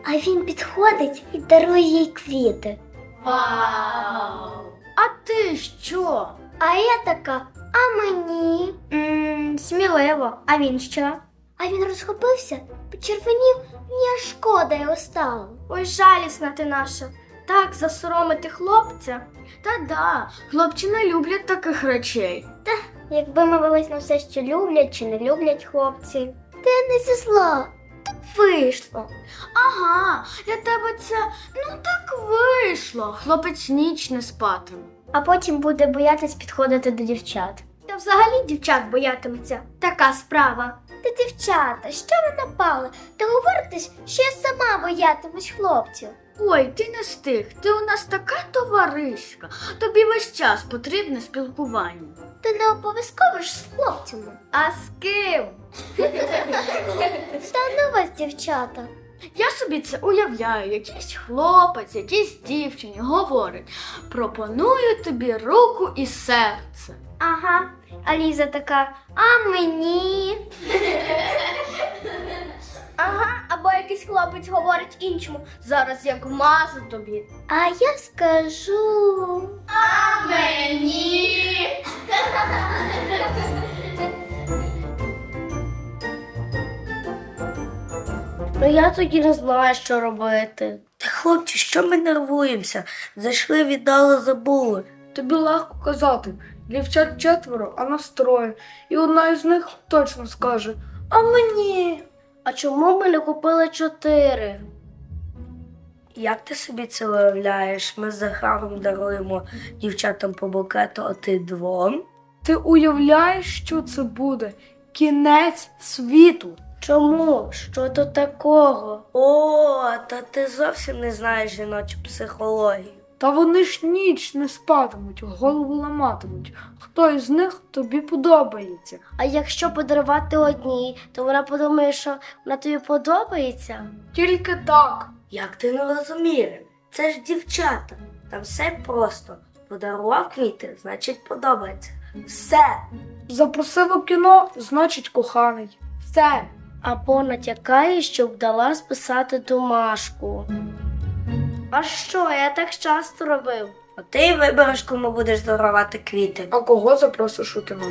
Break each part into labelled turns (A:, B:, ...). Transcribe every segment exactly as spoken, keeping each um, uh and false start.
A: А він підходить і дарує їй квіти.
B: Вау! А ти що?
A: А я така, а мені? Ммм, сміливо. А він що? А він розхопився, почервонів, мені аж шкода його стало.
B: Ой, жалісна ти наша. Так засоромити хлопця? Та-да, хлопці не люблять таких речей.
A: Якби ми велись на все, що люблять чи не люблять хлопці. Та я не зі зла. Так вийшло.
B: Ага, для тебе це, ну так вийшло. Хлопець ніч не спатиме.
A: А потім буде боятись підходити до дівчат.
B: Та взагалі дівчат боятиметься. Така справа.
A: Та дівчата, що ви напали? Та говоритесь, що я сама боятимусь хлопців.
B: Ой, ти не стих, ти у нас така товаришка. Тобі весь час потрібне спілкування.
A: Та не обов'язково ж з хлопцями.
B: А з ким?
A: Та ну вас, дівчата.
B: Я собі це уявляю, якийсь хлопець, якийсь дівчині говорить: пропоную тобі руку і серце.
A: Ага, а Ліза така, а мені?
B: Ага, або якийсь хлопець говорить іншому: зараз як мажу тобі.
A: А я скажу.
B: А мені?
A: Ну я тоді не знаю, що робити.
C: Та хлопці, що ми нервуємося? Зайшли, віддали, забули.
D: Тобі легко казати. Дівчат четверо, а нас троє. І одна із них точно скаже: а мені?
A: А чому ми не купили чотири?
C: Як ти собі це уявляєш? Ми з Захаром даруємо дівчатам по букету, а ти двом?
D: Ти уявляєш, що це буде? Кінець світу.
A: Чому? Що тут такого?
C: О, та ти зовсім не знаєш жіночу психологію.
D: Та вони ж ніч не спатимуть, голову ламатимуть. Хто із них тобі подобається?
A: А якщо подарувати одній, то вона подумає, що вона тобі подобається?
D: Тільки так.
C: Як ти не розумієш? Це ж дівчата. Там все просто. Подарував квіти, значить подобається. Все.
D: Запросив у кіно, значить коханий. Все.
A: Або натякає, щоб дала списати домашку. А що, я так часто робив?
C: А ти й вибереш, кому будеш дарувати квіти.
D: А кого запросиш у кіно?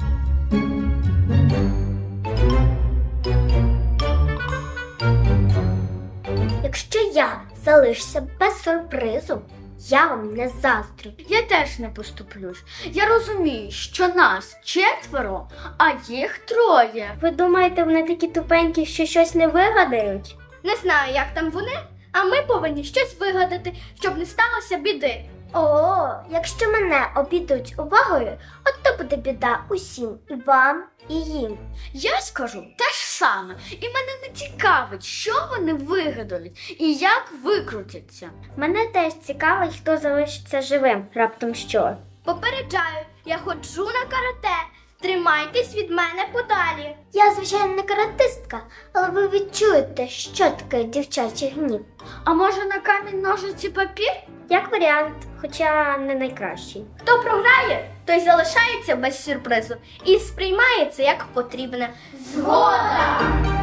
A: Якщо я залишуся без сюрпризу, я вам не заздрю.
B: Я теж не поступлюсь. Я розумію, що нас четверо, а їх троє.
A: Ви думаєте, вони такі тупенькі, що щось не вигадають?
B: Не знаю, як там вони, а ми повинні щось вигадати, щоб не сталося біди.
A: О, якщо мене обійдуть увагою, от то буде біда усім, і вам, і їм.
B: Я скажу те ж саме, і мене не цікавить, що вони вигадають і як викрутяться.
A: Мене теж цікавить, хто залишиться живим, раптом що.
B: Попереджаю, я ходжу на карате. Тримайтесь від мене подалі.
A: Я, звичайно, не каратистка, але ви відчуєте, що таке дівчачий гнів.
B: А може на камінь, ножиці, папір?
A: Як варіант, хоча не найкращий.
B: Хто програє, той залишається без сюрпризу і сприймає це як потрібне. Згода!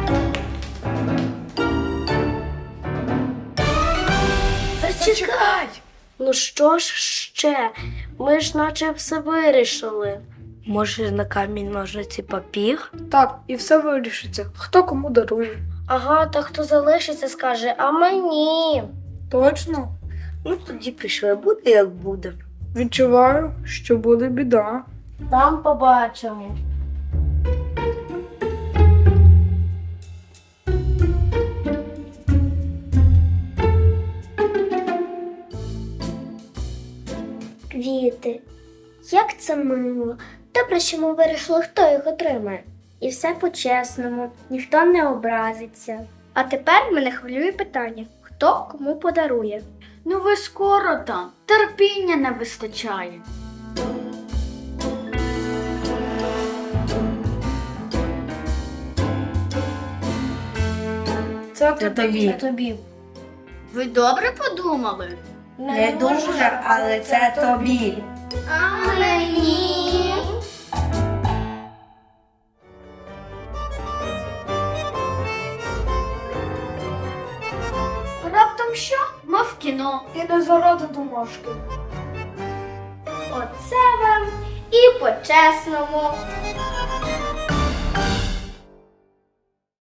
C: Зачекай!
A: Ну що ж ще? Ми ж наче все вирішили.
C: Може, на камінь ножниці папір?
D: Так, і все вирішиться. Хто кому дарує.
A: Ага, та хто залишиться, скаже, а мені.
D: Точно?
C: Ну тоді пішли, буде як буде.
D: Відчуваю, що буде біда.
A: Там побачимо. Квіти. Як це мило. Добре, що ми вирішили, хто їх отримає. І все по-чесному, ніхто не образиться.
B: А тепер мене хвилює питання, хто кому подарує. Ну ви скоро там, терпіння не вистачає.
D: Це
C: Це тобі.
A: Тобі.
B: Ви добре подумали?
C: Не дуже, але це тобі.
B: А мені? потім що? Мов кіно.
D: І не заради домашки.
A: Оце вам і по-чесному.